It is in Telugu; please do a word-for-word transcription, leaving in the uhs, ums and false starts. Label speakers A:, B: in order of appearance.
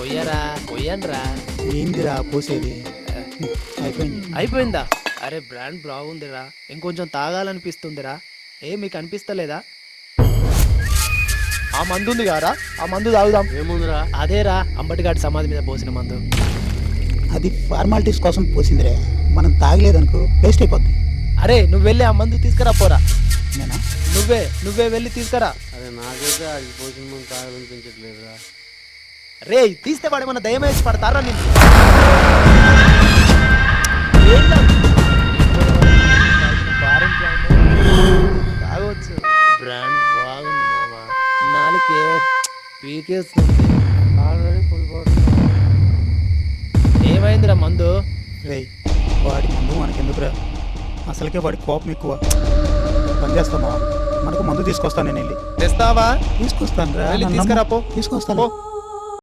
A: పొయ్యరా పొయ్యండ్రా.
B: ఏందిరా పోసేది? అయిపోయింది.
A: అయిపోయిందా? అరే బ్రాండ్ బాగుందిరా, ఇంకొంచెం తాగాలనిపిస్తుందిరా. ఏ మీకు అనిపిస్తలేదా? ఆ మందు ఉంది కారా, ఆ మందు తాగుదాం.
C: ఏముందిరా?
A: అదేరా అంబటిగాడి సమాధి మీద పోసిన మందు.
B: అది ఫార్మాలిటీస్ కోసం పోసిందిరే, మనం తాగలేదనుకో వేస్ట్ అయిపోద్ది.
A: అరే నువ్వు వెళ్ళి ఆ మందు తీసుకురా పోరా.
B: నేనా?
A: నువ్వే నువ్వే వెళ్ళి తీసుకురా.
C: అరే నాకైతే అది పోసిన ముందు తాగాలనిపించట్లేదురా.
A: రే తీస్తే వాడు మన దయమేసి పడతారా నేను. తాగవచ్చు, బ్రాండ్ బాగుంది మామ. నాలుకే పీకేస్తుంది.
C: Already full bottle.
A: ఏమైందిరా మందు?
B: రే వాడి మందు మనకెందుకురా, అసలుకే వాడి కోపం ఎక్కువ. పని చేస్తామా, మనకు మందు తీసుకొస్తాను నేను వెళ్ళి.
A: తెస్తావా?
B: తీసుకొస్తాను రా.
A: వెళ్ళి తీసుకురా పో.
B: తీసుకొస్తాను.
A: పో.